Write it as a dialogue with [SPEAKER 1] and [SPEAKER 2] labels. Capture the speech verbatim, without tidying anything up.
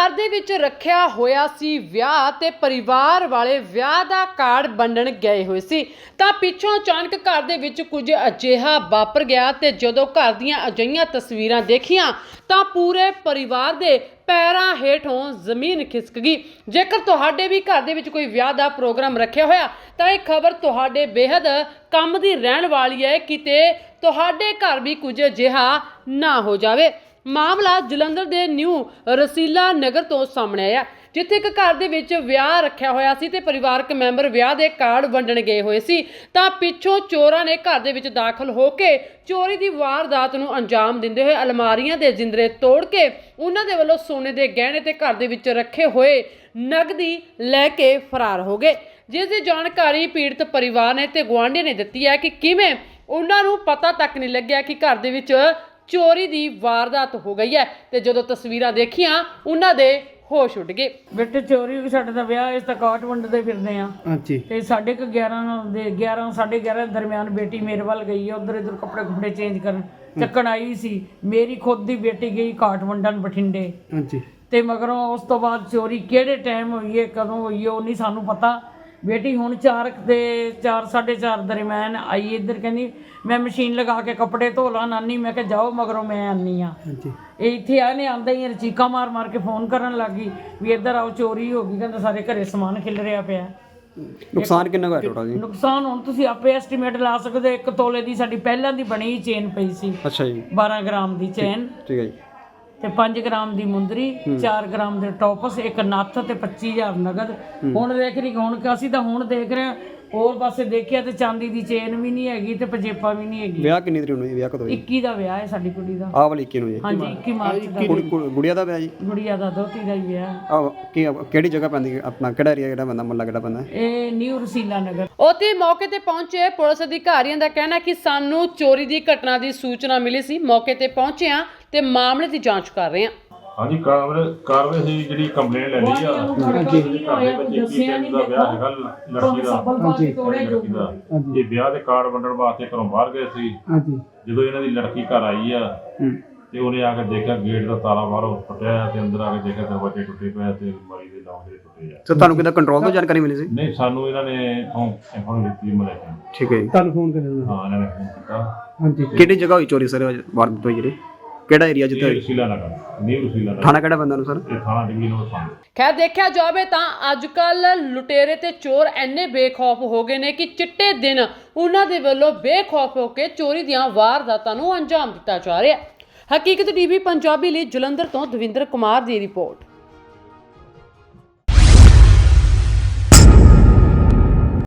[SPEAKER 1] घर दे विच रखिया होया सी विआह ते परिवार वाले विआह दा कार्ड वंडण गए हुए सी तां पिछों अचानक घर दे विच कुछ अजिहा वापर गया ते जदों घर दीयां अजिहियां तस्वीरां देखियां तां पूरे परिवार दे पैरां हेठों जमीन खिसक गई। जेकर तुहाडे भी घर दे विच कोई विआह दा प्रोग्राम रखिया होया तां इह खबर तुहाडे बेहद काम दी रहण वाली है, किते तुहाडे घर भी कुछ अजिहा ना हो जावे। मामला जलंधर दे न्यू रसीला नगर तो सामने आया, जिथे एक घर दे विच विआह रखिया होया सी ते परिवारक मैंबर विआह दे कार्ड वंडण गए हुए सी तां पिछों चोरां ने घर दे विच दाखल हो के चोरी दी वारदात नूं अंजाम दिंदे होए अलमारीआं दे जिंदरे तोड़ के उन्हां दे वल्लों सोने दे गहणे ते घर दे विच रखे होए नगदी लैके फरार हो गए। जिस दी जानकारी पीड़ित परिवार ने ते गुआंढी ने दित्ती है कि किवें उन्हां नूं पता तक नहीं लग्गिया कि घर दे विच चोरी दी वारदात हो गई है ते जदों तस्वीरां देखियां उन्हां दे होश उड़ गए।
[SPEAKER 2] बेटे चोरी हो गई, साडे दा विआह इस तक काट वंडदे फिरदे आ।
[SPEAKER 3] ਹਾਂਜੀ
[SPEAKER 2] ते साढ़े क ग्यारह दे ग्यारह साढ़े ग्यारह दरमियान बेटी मेरे वाल गई है, उधर इधर कपड़े कुपड़े चेंज करन ਚੱਕਣ आई सी। मेरी खुद दी बेटी गई काट वंडन बठिंडे
[SPEAKER 3] ਹਾਂਜੀ
[SPEAKER 2] ते मगरों उस तो बाद चोरी किहड़े टाइम होई है कदों होई है वो नहीं सानू पता। बेटी हुण चार दे चार साढ़े चार दरमियान आई, इधर कहंदी मैं मशीन लगा के कपड़े धो ला नानी, मैं कहा जाओ मगरों मैं आनी हाँ।
[SPEAKER 3] ਹਾਂਜੀ
[SPEAKER 2] इत्थे आने आंदा ही चीका मार मार के फोन करन लग गई भी इधर आओ चोरी हो गई, कहंदा सारे घरे समान खिल रिहा पिया।
[SPEAKER 3] ਨੁਕਸਾਨ ਕਿੰਨਾ ਕੁ ਹੋਇਆ ਟੋਟਲ ਜੀ?
[SPEAKER 2] ਨੁਕਸਾਨ ਹੁਣ ਤੁਸੀਂ ਆਪੇ ਐਸਟੀਮੇਟ ਲਾ ਸਕਦੇ ਹੋ। ਇੱਕ ਤੋਲੇ ਦੀ ਸਾਡੀ ਪਹਿਲਾਂ ਦੀ ਬਣੀ ਚੇਨ ਪਈ ਸੀ,
[SPEAKER 3] ਅੱਛਾ ਜੀ,
[SPEAKER 2] ਬਾਰਾਂ ਗ੍ਰਾਮ ਦੀ ਚੇਨ
[SPEAKER 3] ਠੀਕ ਹੈ ਜੀ,
[SPEAKER 2] ਤੇ ਪੰਜ ਗ੍ਰਾਮ ਦੀ ਮੁੰਦਰੀ, ਚਾਰ ਗ੍ਰਾਮ ਦੇ ਟੌਪਸ, ਇੱਕ ਨੱਥ ਤੇ ਪੱਚੀ ਹਜ਼ਾਰ ਨਗਦ। ਹੁਣ ਦੇਖ ਰਹੀ ਹੁਣ ਕਿ ਅਸੀਂ ਤਾਂ ਹੁਣ ਦੇਖ ਰਹੇ ਹਾਂ ਹੋਰ ਪਾਸੇ ਦੇਖਿਆ ਤੇ ਚਾਂਦੀ ਦੀ ਚੇਨ ਵੀ ਨਹੀਂ ਹੈਗੀ ਤੇ ਪਜੇਪਾ ਵੀ ਨਹੀਂ ਹੈਗੀ।
[SPEAKER 3] ਵਿਆਹ ਕਿੰਨੀ ਤਰੀਕ ਨੂੰ ਜੀ? ਵਿਆਹ ਕਦੋਂ ਜੀ?
[SPEAKER 2] ਇੱਕੀ ਦਾ ਵਿਆਹ ਹੈ ਸਾਡੀ ਕੁੜੀ ਦਾ।
[SPEAKER 3] ਆਹ ਵਾਲੀ ਇੱਕੀ ਨੂੰ ਜੀ?
[SPEAKER 2] ਹਾਂਜੀ ਇੱਕੀ ਮਾਰਚ ਦਾ।
[SPEAKER 3] ਕੁੜੀ ਕੁੜੀ- ਗੁੜੀਆ ਦਾ ਵਿਆਹ ਜੀ?
[SPEAKER 2] ਗੁੜੀਆ ਦਾ ਦੋਤੀ ਦਾ ਹੀ ਵਿਆਹ।
[SPEAKER 3] ਆਹ ਕੀ ਕਿਹੜੀ ਜਗ੍ਹਾ ਪੈਂਦੀ ਹੈ? ਆਪਣਾ ਕਿਹੜਾ ਏਰੀਆ ਕਿਹੜਾ ਪੈਂਦਾ, ਮੁਹੱਲਾ ਕਿਹੜਾ ਪੈਂਦਾ?
[SPEAKER 2] ਇਹ ਨਿਊ ਰਸੀਲਾ ਨਗਰ।
[SPEAKER 1] ਉੱਥੇ ਮੌਕੇ ਤੇ ਪਹੁੰਚੇ ਪੁਲਿਸ ਅਧਿਕਾਰੀਆਂ ਦਾ ਕਹਿਣਾ ਕਿ ਸਾਨੂੰ ਚੋਰੀ ਦੀ ਘਟਨਾ ਦੀ ਸੂਚਨਾ ਮਿਲੀ ਸੀ, ਮੌਕੇ ਤੇ ਪਹੁੰਚੇ ਹਾਂ ਤੇ ਮਾਮਲੇ ਦੀ ਜਾਂਚ ਕਰ ਰਹੇ ਹਾਂ।
[SPEAKER 4] ਹਾਂਜੀ ਕਾਰਵਾਈ ਕਾਰਵਾਈ ਸੀ ਜਿਹੜੀ ਕੰਪਲੇਂਟ ਲੈ ਲਈ ਆ।
[SPEAKER 2] ਹਾਂਜੀ ਦੱਸਿਆ ਨਹੀਂ
[SPEAKER 4] ਦਾ ਵਿਆਹ ਹੈਗਾ ਲੜਕੀ ਦਾ।
[SPEAKER 2] ਹਾਂਜੀ
[SPEAKER 4] ਲੜਕੀ ਦਾ ਇਹ ਵਿਆਹ ਦੇ ਕਾਰਡ ਵੰਡਣ ਵਾਸਤੇ ਘਰੋਂ ਬਾਹਰ ਗਏ ਸੀ।
[SPEAKER 3] ਹਾਂਜੀ
[SPEAKER 4] ਜਦੋਂ ਇਹਨਾਂ ਦੀ ਲੜਕੀ ਘਰ ਆਈ ਆ ਤੇ ਉਹਨੇ ਆ ਕੇ ਦੇਖਿਆ ਗੇਟ ਦਾ ਤਾਲਾ ਬਾਹਰੋਂ ਟੁੱਟਿਆ ਤੇ ਅੰਦਰ ਆ ਕੇ ਦੇਖਿਆ ਦਰਵਾਜ਼ੇ ਟੁੱਟੇ ਪਏ ਤੇ ਅਲਮਾਰੀ ਦੇ ਲੋਕ ਜਿਹੜੇ ਟੁੱਟੇ ਆ।
[SPEAKER 3] ਸਰ ਤੁਹਾਨੂੰ ਕਿਹਦਾ ਕੰਟਰੋਲ ਤੋਂ ਜਾਣਕਾਰੀ ਮਿਲੀ ਸੀ?
[SPEAKER 4] ਨਹੀਂ ਸਾਨੂੰ ਇਹਨਾਂ ਨੇ ਇਨਫੋਰਮ ਦਿੱਤੀ ਮਲੇ।
[SPEAKER 3] ਠੀਕ ਹੈ ਜੀ, ਤੁਹਾਨੂੰ ਫੋਨ ਕਰਿਆ?
[SPEAKER 4] ਹਾਂ ਇਹਨਾਂ ਨੇ ਫੋਨ ਕੀਤਾ।
[SPEAKER 3] ਹਾਂਜੀ ਕਿਹੜੀ ਜਗ੍ਹਾ ਹੋਈ ਚੋਰੀ ਸਰ ਵਾਰਦਾਤ ਹੋਈ ਜਿਹੜੀ? ਕਿਹੜਾ ਏਰੀਆ ਜਿੱਥੇ ਹੋਈ?
[SPEAKER 4] ਰਸੀਲਾ ਨਗਰ, ਨਿਊ ਰਸੀਲਾ ਨਗਰ।
[SPEAKER 3] ਥਾਣਾ ਕਿਹੜਾ ਪੈਂਦਾ ਨੂੰ ਸਰ?
[SPEAKER 4] ਇਹ ਥਾਣਾ ਡਿਵੀਜ਼ਨ ਨੰਬਰ ਪੰਜ।
[SPEAKER 1] ਖੈਰ ਦੇਖਿਆ ਜਾਵੇ ਤਾਂ ਅੱਜ ਕੱਲ ਲੁਟੇਰੇ ਤੇ ਚੋਰ ਇੰਨੇ ਬੇਖੌਫ ਹੋ ਗਏ ਨੇ ਕਿ ਚਿੱਟੇ ਦਿਨ ਉਹਨਾਂ ਦੇ ਵੱਲੋਂ ਬੇਖੌਫ ਹੋ ਕੇ ਚੋਰੀ ਦੀਆਂ ਵਾਰਦਾਤਾਂ ਨੂੰ ਅੰਜਾਮ ਦਿੱਤਾ ਜਾ ਰਿਹਾ ਹੈ। ਹਕੀਕਤ ਟੀਵੀ ਪੰਜਾਬੀ ਲਈ ਜਲੰਧਰ ਤੋਂ ਦਵਿੰਦਰ ਕੁਮਾਰ ਦੀ ਰਿਪੋਰਟ।